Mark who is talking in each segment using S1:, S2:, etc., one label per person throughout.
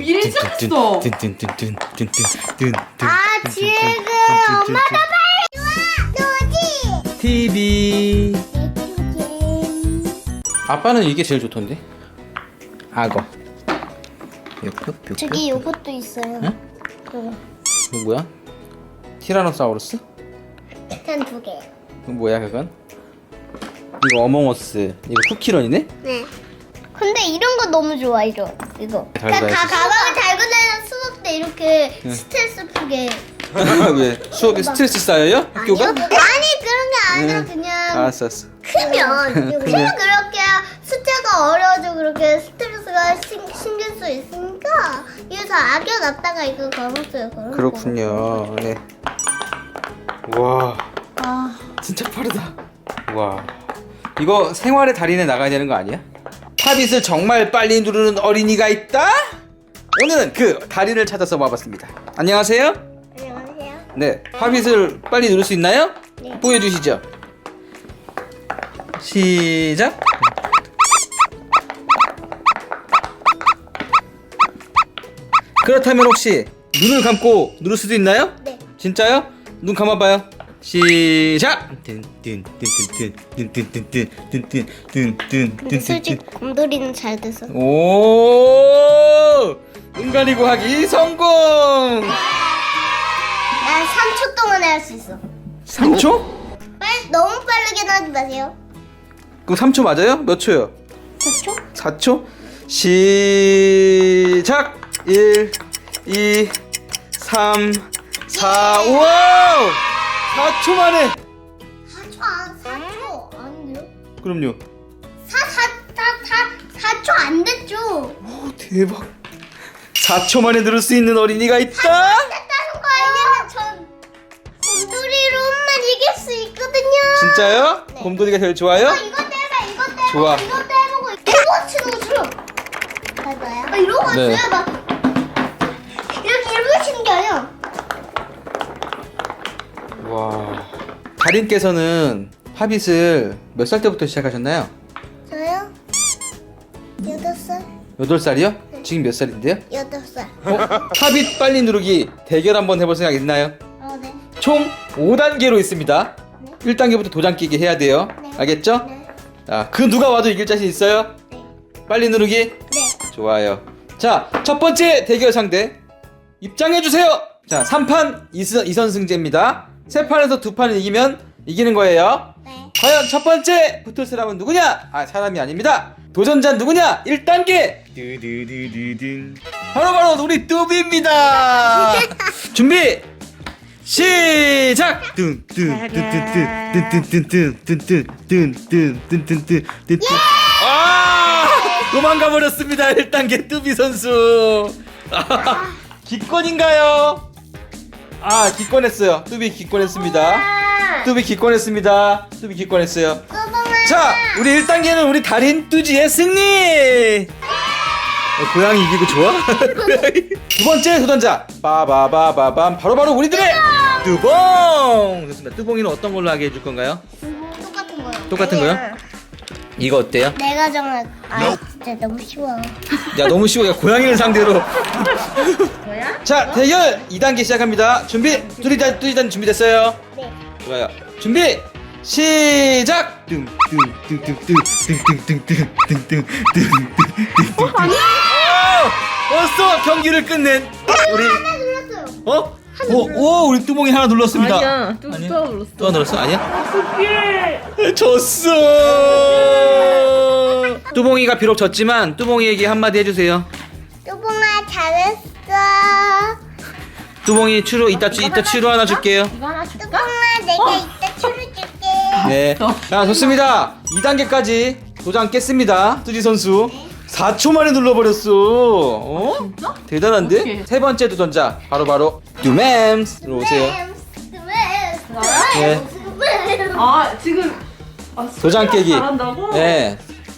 S1: 일이 시작했어.
S2: 아 지금 엄마가 빨리 와.
S3: TV. 아빠는 이게 제일 좋던데. 악어.
S2: 저기 요것도 있어요.
S3: 응?
S2: 이거
S3: 이거 뭐야? 티라노사우루스?
S2: 한 두 개.
S3: 이거 뭐야 그건? 이거 어몽어스. 이거 쿠키런이네?
S2: 네. 근데 이런 거 너무 좋아 이거.
S3: 달고 다닐 수 있어.
S2: 가방을 달고 다니는 수업 때 이렇게
S3: 응.
S2: 스트레스 풀게.
S3: 왜? 수업에 스트레스 쌓여요? 학교가?
S2: 아니 그런 게 아니라
S3: 응.
S2: 그냥
S3: 알았어.
S2: 크면 크면 그렇게 숫자가 어려워져 그렇게 스트레스가 신경 써 있으니까 그래서 아껴놨다가 이거 걸었어요.
S3: 그렇군요. 네. 와,
S2: 아
S3: 진짜 빠르다. 와, 이거 생활의 달인에 나가야 되는 거 아니야? 팝잇을 정말 빨리 누르는 어린이가 있다? 오늘은 그 달인을 찾아서 와봤습니다. 안녕하세요.
S2: 안녕하세요.
S3: 네, 팝잇을 빨리 누를 수 있나요?
S2: 네.
S3: 보여주시죠. 시작. 그렇다면 혹시 눈을 감고 누를 수도 있나요?
S2: 네.
S3: 진짜요? 눈 감아봐요. 시작.
S2: 근데 솔직히 곰돌이는 잘 돼서.
S3: 오, 눈 가리고 하기 성공.
S2: 난 3초 동안 할 수 있어.
S3: 3초?
S2: 너무 빠르게 하지 마세요.
S3: 그럼 3초 맞아요? 몇 초요?
S2: 4초?
S3: 4초? 시작! 1, 2, 3, 4, 우와! 4초 만에!
S2: 4초 아닌데요?
S3: 그럼요.
S2: 4초 안 됐죠?
S3: 오, 대박. 4초 만에 들을 수 있는 어린이가 있다?
S2: 됐다는 거예요. 전 곰돌이로만 이길 수 있거든요.
S3: 진짜요?
S2: 네.
S3: 곰돌이가 제일 좋아요?
S2: 이거 때려, 이거 때려,
S3: 좋아.
S2: 이거 때리고 이거 치는 것처럼. 맞아요? 이러고
S3: 네.
S2: 있어요, 막 이렇게 치는 게 아니야.
S3: 와. 달인께서는 팝잇을 몇 살 때부터 시작하셨나요?
S2: 저요? 8살?
S3: 8살이요? 지금 몇 살인데요?
S2: 8살.
S3: 팝잇 빨리 누르기 대결 한번 해볼 생각 있나요?
S2: 네.
S3: 총 5단계로 있습니다. 1단계부터 도장 끼기 해야 돼요.
S2: 네.
S3: 알겠죠?
S2: 네.
S3: 자, 그 누가 와도 이길 자신 있어요?
S2: 네.
S3: 빨리 누르기?
S2: 네.
S3: 좋아요. 자, 첫 번째 대결 상대 입장해주세요. 자, 3판 2선 승제입니다. 3판에서 2판을 이기면 이기는 거예요.
S2: 네.
S3: 과연 첫 번째 붙을 사람은 누구냐? 아, 사람이 아닙니다. 도전자 누구냐? 1단계 바로 우리 뚜비입니다. 준비 시작. 아, 도망가 버렸습니다. 1단계 뚜비 선수. 기권인가요? 아, 기권했어요. 뚜비 기권했습니다. 뚜비 기권했습니다. 뚜비 기권했어요. 자, 우리 1단계는 우리 달인 뚜지의 승리. 고양이 이기고 좋아? 고양이. 두 번째 도전자 빠바바바밤 바로바로 우리들의 뚜봉. 좋습니다. 뚜봉이는 어떤 걸로 하게 해줄 건가요?
S2: 똑같은 거요.
S3: 똑같은 거요? 이거 어때요?
S2: 내가 정할. 아 진짜 너무 쉬워.
S3: 야, 너무 쉬워. 야, 고양이를 상대로. 자, 대결 2단계 시작합니다. 준비. 뚜리단 준비됐어요?
S2: 네.
S3: 좋아요. 준비. 시작. 벌써 경기를 끝낸 우리
S2: 하나 눌렀어요.
S3: 어? 오, 우리 뚜봉이 하나 눌렀습니다.
S1: 아니야, 또
S3: 아니야?
S1: 눌렀어.
S3: 또 눌렀어? 아니야?
S1: 어떡해.
S3: 졌어. 뚜봉이가 비록 졌지만 뚜봉이에게 한마디 해주세요.
S2: 뚜봉아 잘했어.
S3: 뚜봉이 이따 치루 하나 줄게요.
S1: 이거 하나 줄까?
S2: 뚜봉아 내가 이따 추를 줄게.
S3: 네. 자, 좋습니다. 2단계까지 도장 깼습니다. 뚜지 선수. 4초 만에 눌러버렸어. 어?
S1: 진짜?
S3: 대단한데?
S1: 어떡해.
S3: 세 번째 도전자 바로 뚜맴스로 오세요. 네.
S1: 아, 지금. 아,
S3: 도장 깨기.
S1: 잘한다고?
S3: 네.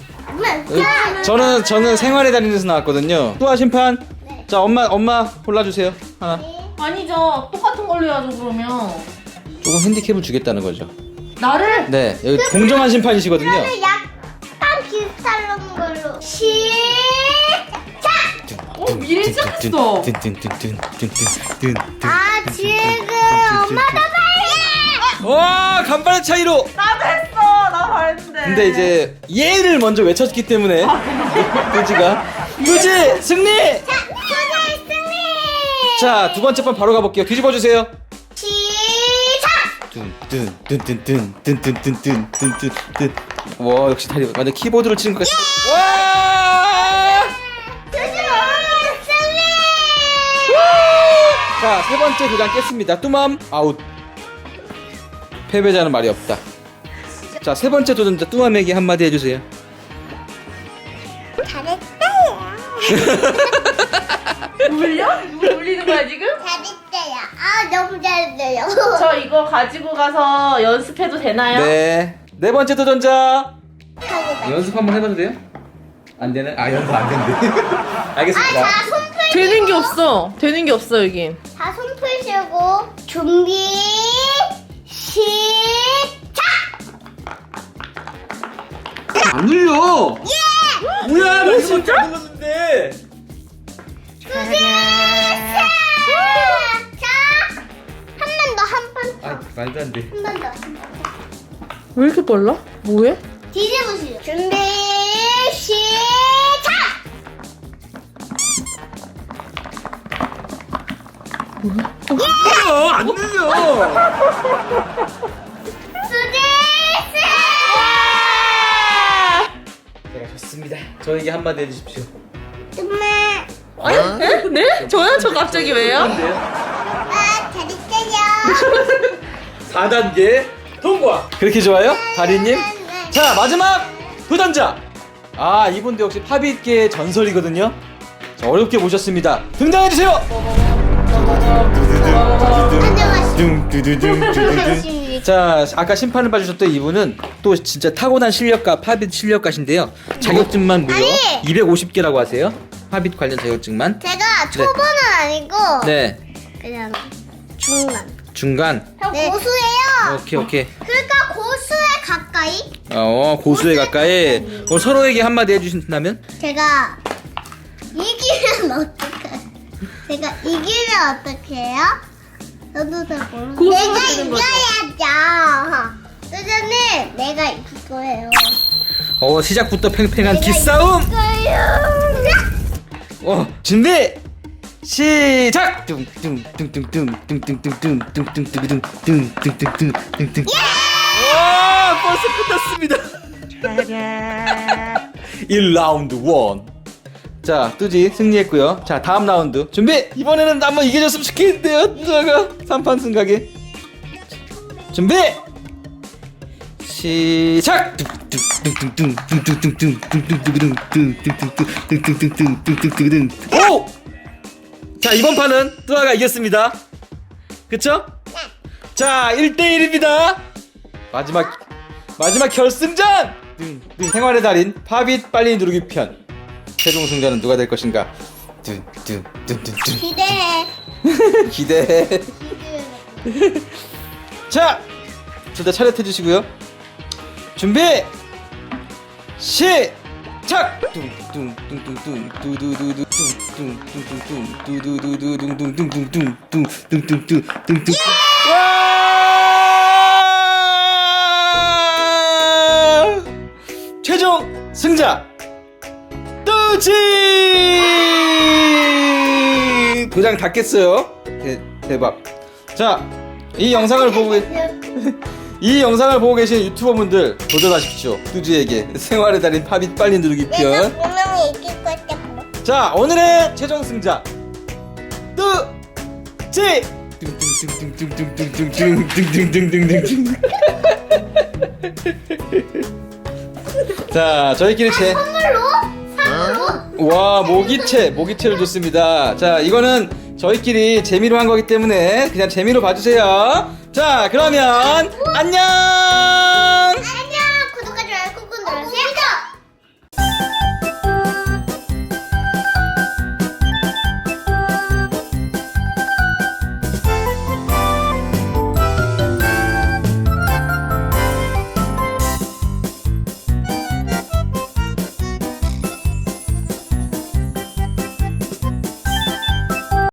S3: 저는 생활의 달인에서 나왔거든요. 뚜아 심판.
S2: 네.
S3: 자, 엄마 골라주세요. 하나.
S1: 아니죠. 똑같은 걸로 해야죠, 그러면.
S3: 조금 핸디캡을 주겠다는 거죠.
S1: 나를?
S3: 네, 여기 공정한 심판이시거든요.
S2: 그러면 약간 비슷한 걸로 시작.
S1: 미리 시작했어.
S2: 아 지금 엄마도 빨리.
S3: 와 간발의 차이로.
S1: 나도 했어. 나 잘했는데.
S3: 근데 이제 얘를 먼저 외쳤기 때문에 뚜지가 뚜지 승리.
S2: 자 소녀의 승리.
S3: 자 두 번째 판 바로 가볼게요. 뒤집어 주세요.
S2: 시작.
S3: 뚠뚠뚠뚠뚠뚠뚠뚠뚠뚠. 와 역시 다리 완전 키보드를 치는 것 같아. 와!
S2: 소녀의 승리.
S3: 자 세 번째 도장 깼습니다. 뚜맘 아웃. 패배자는 말이 없다. 자 세 번째 도전자 뚜맘에게 한마디 해주세요.
S2: 잘했어요.
S1: 울려? 누구 울리는 거야 지금?
S2: 잘했어요. 아 너무 잘했어요.
S1: 저 이거 가지고 가서 연습해도 되나요?
S3: 네. 네 번째 도전자
S2: 하고
S3: 연습 한번 해봐도 돼요? 안 되는? 아 연습 안 된대. 알겠습니다.
S2: 자, 손 풀.
S1: 되는 게 없어. 되는 게 없어 여기.
S2: 자, 손 풀시고 준비 시작.
S3: 안 눌려.
S2: 예!
S3: 뭐야? 나
S1: 진짜?
S3: 안 눌렀는데.
S2: 자, 한 번 더, 한 번 더,
S3: 아 말도 안 돼.
S2: 한 번 더.
S1: 왜 이렇게 빨라? 뭐해?
S2: 뒤집으시죠. 준비 시작.
S3: 뭐야? 안 눌려.
S2: 수지
S3: 제가 졌습니다. 저에게 한마디 해주십시오.
S2: 정말
S1: 에? 네? 저요? 저 갑자기 왜요?
S3: 뭔데요?
S2: 아 잘했어요.
S3: 4단계 통과. 그렇게 좋아요? 다리님? 자 마지막 도전자. 아 이분도 역시 팝잇계의 전설이거든요. 자, 어렵게 모셨습니다. 등장해주세요. 자 아까 심판을 봐주셨던 이분은 또 진짜 타고난 실력가 팝잇 실력가신데요. 자격증만 무려
S2: 아니!
S3: 250개라고 하세요. 팝잇 관련 자격증만.
S2: 제가 초보는 아니고
S3: 네
S2: 그냥 중간.
S3: 중간.
S2: 네. 고수예요.
S3: 오케이.
S2: 그러니까 고수에 가까이.
S3: 고수에 가까이. 서로에게 한마디 해주신다면?
S2: 제가 이기면 어떡해? 제가 이기면 어떡해요? 저도 잘 모르겠어요.
S1: 고수가
S2: 내가
S1: 되는 거죠.
S2: 이겨야죠. 선생님, 내가 이길 거예요.
S3: 시작부터 팽팽한
S2: 내가
S3: 기싸움.
S2: 이길 거예요.
S3: 준비 시작. 와 벌써 끝났습니다. 1라운드 1. 자 뚜지 승리했고요. 자 다음 라운드 준비. 이번에는 한번 이겨줬으면 좋겠는데요. 뚜자가 3판 승각에. 준비 시작. 오! 자 이번 판은 뚜아가 이겼습니다. 그쵸? 자 1대1입니다. 마지막 결승전. 생활의 달인 팝잇 빨리 누르기 편. 최종 승자는 누가 될 것인가?
S2: 기대해.
S3: 기대해. 자 둘 다 차렷해 주시고요. 준비 시작. 와! 최종 승자 뚜지. 도장 다 깼어요. 대박. 자, 이 영상을 보고 계신 유튜버분들 도전하십시오. 뚜지에게 생활의 달인 팝잇 빨리 누르기
S2: 내가
S3: 편.
S2: 분명히 이길 것 같아.
S3: 자 오늘의 최종 승자 뚜지. 자 저희끼리
S2: 선물로?
S3: 와 모기채를 줬습니다. 자 이거는 저희끼리 재미로 한 거기 때문에 그냥 재미로 봐주세요. 자 그러면 안녕.